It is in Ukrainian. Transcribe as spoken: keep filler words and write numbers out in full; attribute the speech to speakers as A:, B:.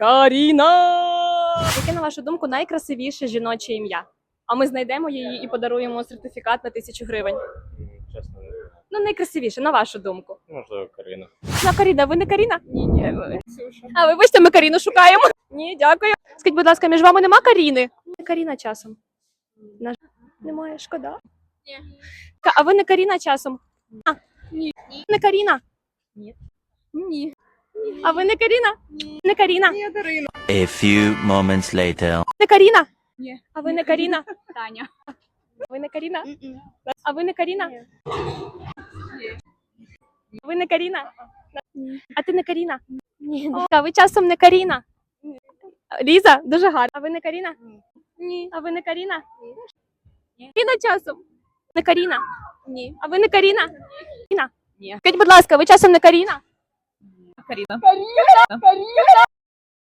A: Каріна! Яке, на вашу думку, найкрасивіше жіноче ім'я? А ми знайдемо її і подаруємо сертифікат на тисячу гривень.
B: Чесно, не знаю.
A: Ну, найкрасивіше, на вашу думку.
B: Можливо, Каріна.
A: На Каріна, ви не Каріна? Ні, ні. Ксюша. А, вибачте, ми Каріну шукаємо. Ні, дякую. Скажіть, будь ласка, між вами нема Каріни? Не Каріна часом. На... Немає, шкода.
C: Ні.
A: Ка- А ви не Каріна часом? А,
C: Ні.
A: не Каріна?
C: Ні.
A: А ви не Каріна? Не Каріна?
C: Я Дарина.
D: A few moments later.
A: Не Каріна?
C: Ні.
A: А ви не Каріна?
C: Таня.
A: Ви не Каріна? А ви не Каріна? Ви не Каріна? А ти не Каріна? Ні. А ви часом не Каріна? Ліза, дуже гарно. А ви не Каріна? Ні. А ви не Каріна?
C: Ні.
A: Каріна часом? Не Каріна?
C: Ні.
A: А ви не Каріна? Каріна?
C: Ні.
A: Скажіть, будь ласка, ви часом не Каріна?
C: Каріна.